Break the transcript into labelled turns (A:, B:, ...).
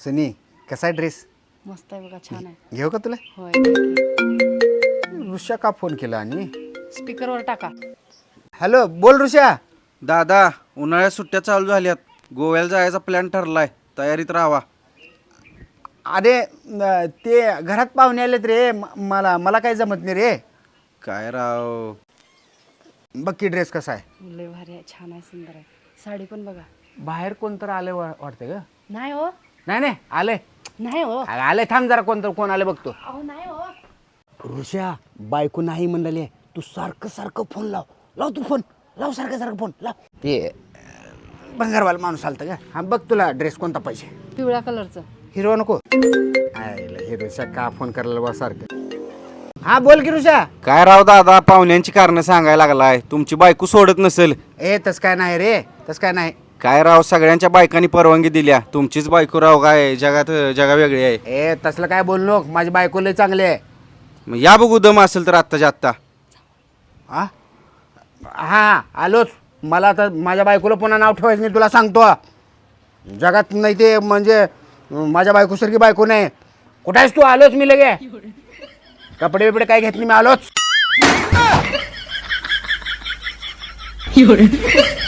A: सनी कसा आहे ड्रेस?
B: मस्त आहे बघा, छान आहे.
A: घेऊ का तुला?
B: होय.
A: ऋषा का फोन केला आणि
B: स्पीकरवर टाका.
A: हॅलो बोल ऋषा.
C: दादा उन्हाळ्यात सुट्ट्या चालू झाल्यात, गोव्याला जायचा प्लॅन ठरलाय, तयारीत राहावा.
A: अरे ते घरात पाहुणे आलेत रे, मला काही जमत नाही रे.
C: काय राव,
A: बघ की ड्रेस कसा आहे.
B: लय भारी आहे, छान आहे, सुंदर आहे. साडी पण बघा.
A: बाहेर कोणतर आले वाटते का?
B: नाही हो,
A: नाही आले.
B: नाही हो,
A: आले, थांब जरा कोण आले बघतो.
B: अहो नाही हो.
A: ऋषा बायको नाही म्हणले, तू सारखं फोन लाव तू फोन लाव, सारखं फोन लाव. ते भंगारवाला माणूस आलता का? हा बघ तुला ड्रेस कोणता पाहिजे.
B: पिवळ्या कलरचं.
A: हिरो नको. हिरोशा का फोन करायला बा सारखं. हा बोल की ऋषा.
C: काय राव दादा, पाहुण्यांची कारणं सांगायला लागलाय. तुमची बायको सोडत नसेल.
A: तस काय नाही रे, तस काय नाही.
C: काय राव, सगळ्यांच्या बायकांनी परवानगी दिल्या, तुमचीच बायको राव काय जगा वेगळी आहे.
A: तसलं काय बोल नको, माझी बायको लय चांगली आहे.
C: मग या बघू दम असेल तर आत्ताच्या आत्ता.
A: हा आलोच. मला आता माझ्या बायकोला पुन्हा नाव ठेवायचं नाही, तुला सांगतो. जगात नाही ते म्हणजे माझ्या बायकोसारखी बायको नाही. कुठे आहेस तू? आलोच मी लगे. कपडे बिपडे काय घेतली, मी आलोच.